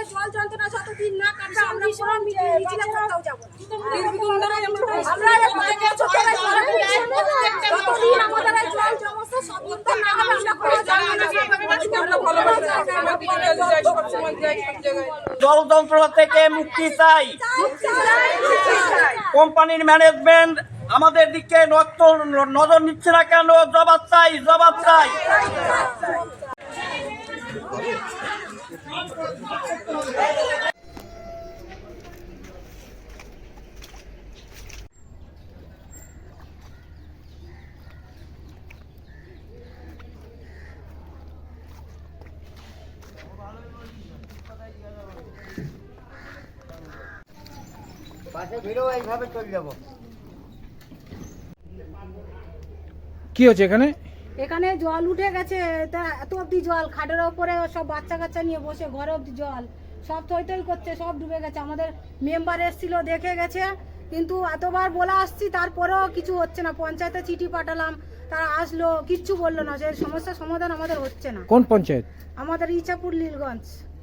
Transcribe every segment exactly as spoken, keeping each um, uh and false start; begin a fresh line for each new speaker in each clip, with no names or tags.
জল যন্ত্রণা যতদিন না কাটবে আমরা কোনো মিছিলে কোথাও যাব না। আমরা এখানে ছোটরা যতদিন আমাদের জল সমস্যা সমাধান না হবে আমরা কোনো যাব না।
জল যন্ত্রণা থেকে মুক্তি চাই। কোম্পানির ম্যানেজমেন্ট আমাদের দিকে নজর নিচ্ছে না কেন? জবাব চাই, জবাব চাই। পাশে ভিড়ও এইভাবে চলে যাব।
কি হচ্ছে এখানে?
এখানে জল উঠে গেছে, তা এত অব্দি জল, খাটের ওপরে সব বাচ্চা কাচ্চা নিয়ে বসে ঘরে অব্দি জল, সব থই থই করছে, সব ডুবে গেছে। আমাদের মেম্বার এসেছিল, দেখে গেছে, কিন্তু এতবার বলে আসছি তারপরেও কিছু হচ্ছে না। পঞ্চায়েতে চিঠি পাঠালাম, তারা আসলো, কিচ্ছু বললো না। যে সমস্যার সমাধান আমাদের হচ্ছে না।
কোন পঞ্চায়েত?
আমাদের ইছাপুর নীলগঞ্জ।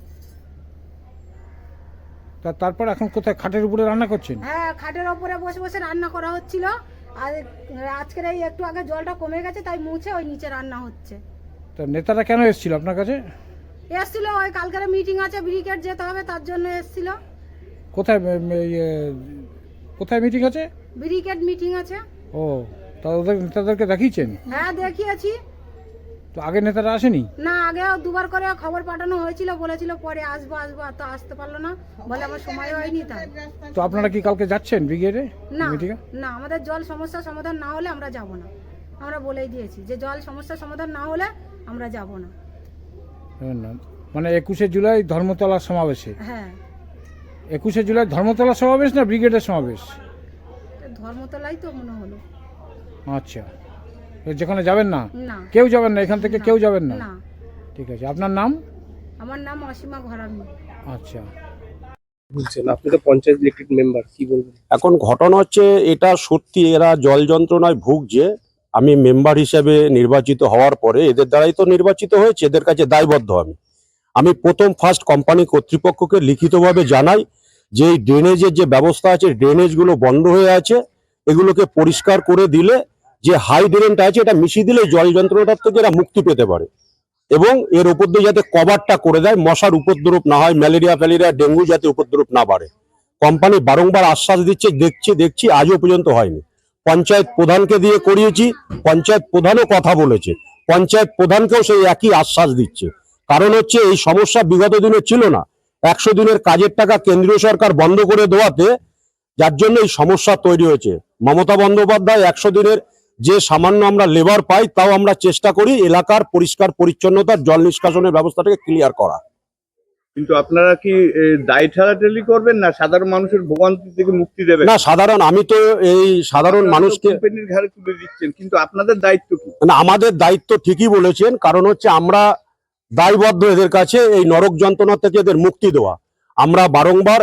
তা তারপর এখন কোথায় খাটের উপরে রান্না করছেন?
হ্যাঁ, খাটের ওপরে বসে বসে রান্না করা হচ্ছিল। আর আজকের এই একটু আগে জলটা কমে গেছে, তাই মুছে ওই নিচে রান্না হচ্ছে।
তা নেতারা কেন এসেছিল আপনার কাছে?
এসছিল, ওই কালকের মিটিং আছে, ব্রিগেড যেতে হবে, তার জন্য এসছিল।
কোথায় কোথায় মিটিং আছে?
ব্রিগেড মিটিং আছে।
ও, তা ওদের নেতাদেরকে দেখিয়েছেন?
হ্যাঁ, দেখিয়েছি।
তো আগে নেতারা আসেনি?
না, আগে দুবার করে খবর পাঠানো হয়েছিল, বলেছিল পরে আসবো আসবো, তো আসতে পারলো না, বলে আমার সময় হয়নি। তাই
তো আপনারা কি কালকে যাচ্ছেন ব্রিগেডে
না?
মিটিংয়ে?
না, আমাদের জল সমস্যার সমাধান না হলে আমরা যাব না। আমরা বলেই দিয়েছি যে জল সমস্যার সমাধান না হলে আমরা যাব না।
মানে একুশে জুলাই ধর্মতলার সমাবেশে?
হ্যাঁ।
একুশে জুলাই ধর্মতলার সমাবেশ না ব্রিগেডের সমাবেশ?
ধর্মতলাই তো মনে হলো।
আচ্ছা, যেখানে যাবেন না?
না,
কেউ যাবেন না এখান থেকে? কেউ যাবেন না?
না।
ঠিক আছে, আপনার নাম?
আমার নাম অসীমা ঘরামি।
আচ্ছা,
বলছেন আপনি তো পঞ্চায়েত ইলেক্টেড মেম্বার, কি বলবেন?
এখন ঘটনা হচ্ছে এটা সত্যি, এরা জল যন্ত্রণায় ভুগছে। আমি মেম্বার হিসেবে নির্বাচিত হওয়ার পরে এদের দ্বারাই তো নির্বাচিত হয়েছে, এদের কাছে দায়বদ্ধ আমি আমি প্রথম ফার্স্ট কোম্পানি কর্তৃপক্ষকে লিখিতভাবে জানাই যে এই ড্রেনেজের যে ব্যবস্থা আছে, ড্রেনেজগুলো বন্ধ হয়ে আছে, এগুলোকে পরিষ্কার করে দিলে যে হাই ড্রেনটা আছে এটা মিশিয়ে দিলে জল যন্ত্রণাটার থেকে এরা মুক্তি পেতে পারে, এবং এর উপর দিয়ে যাতে কভারটা করে দেয়, মশার উপদ্রব না হয়, ম্যালেরিয়া ফ্যালেরিয়া ডেঙ্গু যাতে উপদ্রব না বাড়ে। কোম্পানি বারংবার আশ্বাস দিচ্ছে, দেখছি দেখছি আজও পর্যন্ত হয়নি। পঞ্চায়েত প্রধানকে দিয়ে করিয়েছি, পঞ্চায়েত প্রধানও কথা বলেছে, পঞ্চায়েত প্রধানকেও সেই একই আশ্বাস দিচ্ছে। কারণ হচ্ছে এই সমস্যা বিগত দিনে ছিল না, একশো দিনের কাজের টাকা কেন্দ্রীয় সরকার বন্ধ করে দেওয়াতে যার জন্য এই সমস্যা তৈরি হয়েছে। মমতা বন্দ্যোপাধ্যায় একশো দিনের যে সামান্য আমরা লেবার পাই, তাও আমরা চেষ্টা করি এলাকার পরিষ্কার পরিচ্ছন্নতার জল নিষ্কাশনের ব্যবস্থাটাকে ক্লিয়ার করা।
কিন্তু আপনারা কি দায় ঠেলাঠেলি করবেন না সাধারণ মানুষের ভোগান্তি থেকে মুক্তি দেবেন?
না, সাধারণ আমি তো এই সাধারণ মানুষকে
কোম্পানির ঘাড়ে তুলে দিচ্ছেন, কিন্তু আপনাদের দায়িত্ব কি?
না, আমাদের দায়িত্ব ঠিকই বলেছেন, কারণ হচ্ছে আমরা দায়বদ্ধ এদের কাছে এই নরক যন্ত্রণা থেকে এদের মুক্তি দেওয়া। আমরা বারংবার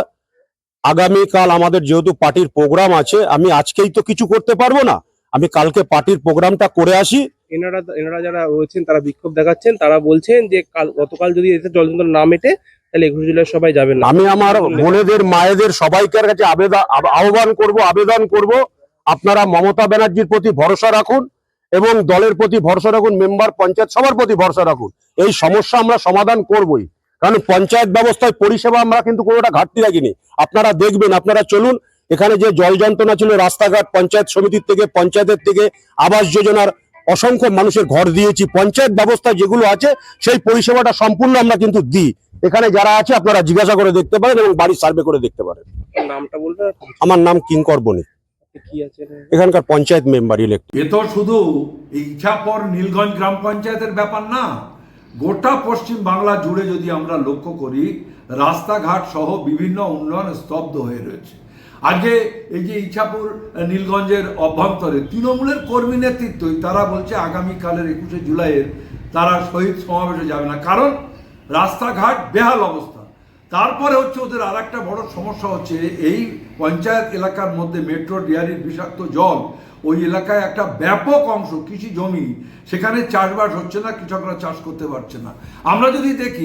আগামীকাল আমাদের যেহেতু পার্টির প্রোগ্রাম আছে, আমি আজকেই তো কিছু করতে পারবো না, আমি কালকে পার্টির প্রোগ্রামটা করে আসি।
এনারা এনারা যারা রয়েছেন তারা বিক্ষোভ দেখাচ্ছেন, তারা বলছেন যে কাল গতকাল যদি এতে জল যন্ত্রণা না মেটে তাহলে একুশে জুলাই সবাই যাবেন না।
আমি আমার বোনেদের মায়েদের সবাইকার কাছে আবেদন আহ্বান করব, আবেদন করব, আপনারা মমতা ব্যানার্জির প্রতি ভরসা রাখুন এবং দলের প্রতি ভরসা রাখুন, মেম্বার পঞ্চায়েত সবার প্রতি ভরসা রাখুন। এই সমস্যা আমরা সমাধান করবই, কারণ পঞ্চায়েত ব্যবস্থায় পরিষেবা আমরা কিন্তু কোনোটা ঘাটতি রাখিনি। আপনারা দেখবেন, আপনারা চলুন, এখানে যে জল যন্ত্রণা ছিল, রাস্তাঘাট পঞ্চায়েত সমিতির থেকে, পঞ্চায়েতের থেকে, আবাস যোজনার অসংখ্য মানুষের ঘর দিয়েছি। পঞ্চায়েত ব্যবস্থা যেগুলো আছে সেই পরিষেবাটা সম্পূর্ণ আমরা কিন্তু দিই। এখানে যারা আছে আপনারা জিজ্ঞাসা করে দেখতে পারেন এবং বাড়ি সার্ভে করে দেখতে পারেন।
নামটা বলবেন?
আমার নাম কিঙ্কর বণিক,
কি আছে
এখানকার পঞ্চায়েত মেম্বার ইলেক্ট।
এ তো শুধু ইছাপুর নীলগঞ্জ গ্রাম পঞ্চায়েতের ব্যাপার না, গোটা পশ্চিম বাংলা জুড়ে যদি আমরা লক্ষ্য করি, রাস্তাঘাট সহ বিভিন্ন উন্নয়ন স্তব্ধ হয়ে রয়েছে। আজকে এই যে ইছাপুর নীলগঞ্জের অভ্যন্তরে তৃণমূলের কর্মী নেতৃত্বই তারা বলছে আগামীকালের একুশে জুলাইয়ের তারা শহীদ সমাবেশে যাবে না, কারণ রাস্তাঘাট বেহাল অবস্থা। তারপরে হচ্ছে ওদের আর একটা বড় সমস্যা হচ্ছে এই পঞ্চায়েত এলাকার মধ্যে মেট্রো ডেয়ারির বিষাক্ত জল, ওই এলাকায় একটা ব্যাপক অংশ কৃষি জমি, সেখানে চাষবাস হচ্ছে না, কৃষকরা চাষ করতে পারছে না। আমরা যদি দেখি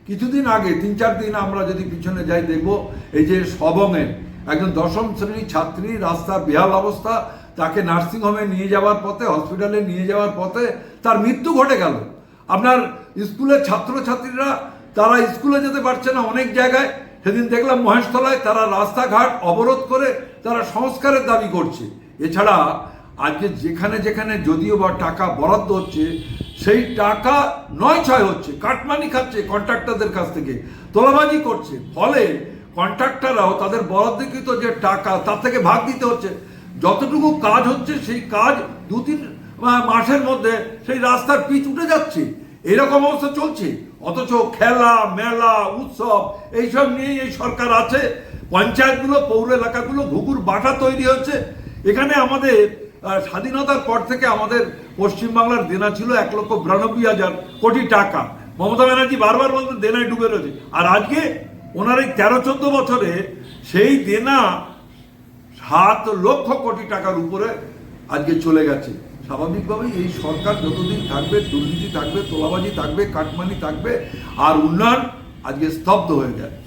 কিছুদিন আগে তিন চার দিন আমরা যদি পিছনে যাই দেখব এই যে সবংয়ের একজন দশম শ্রেণীর ছাত্রী রাস্তা বেহাল অবস্থা, তাকে নার্সিংহোমে নিয়ে যাওয়ার পথে, হসপিটালে নিয়ে যাওয়ার পথে তার মৃত্যু ঘটে গেল। আপনার স্কুলের ছাত্রছাত্রীরা তারা স্কুলে যেতে পারছে না অনেক জায়গায়। সেদিন দেখলাম মহেশতলায় তারা রাস্তাঘাট অবরোধ করে তারা সংস্কারের দাবি করছে। এছাড়া আজকে যেখানে যেখানে যদিও বা টাকা বরাদ্দ হচ্ছে সেই টাকা নয় ছয় হচ্ছে, কাটমানি খাচ্ছে কন্ট্রাক্টরদের কাছ থেকে, তোলাবাজি করছে। ফলে কন্ট্রাক্টররাও তাদের বরাদ্দকৃত যে টাকা তার থেকে ভাগ দিতে হচ্ছে। যতটুকু কাজ হচ্ছে সেই কাজ দু তিন মাসের মধ্যে সেই রাস্তার পিচ উঠে যাচ্ছে, এরকম অবস্থা চলছে। অথচ খেলা মেলা উৎসব এইসব নিয়েই এই সরকার আছে। পঞ্চায়েতগুলো পৌর এলাকাগুলো ঘুঘুর বাটা তৈরি হচ্ছে। এখানে আমাদের স্বাধীনতার পর থেকে আমাদের পশ্চিমবাংলার দেনা ছিল এক লক্ষ বিরানব্বই হাজার কোটি টাকা। মমতা ব্যানার্জি বারবার বলতেন দেনায় ডুবে রয়েছে, আর আজকে ওনার এই তেরো চোদ্দ বছরে সেই দেনা সাত লক্ষ কোটি টাকার উপরে আজকে চলে গেছে। স্বাভাবিকভাবেই এই সরকার যতদিন থাকবে দুর্নীতি থাকবে, তোলাবাজি থাকবে, কাটমানি থাকবে, আর উন্নয়ন আজকে স্তব্ধ হয়ে যায়।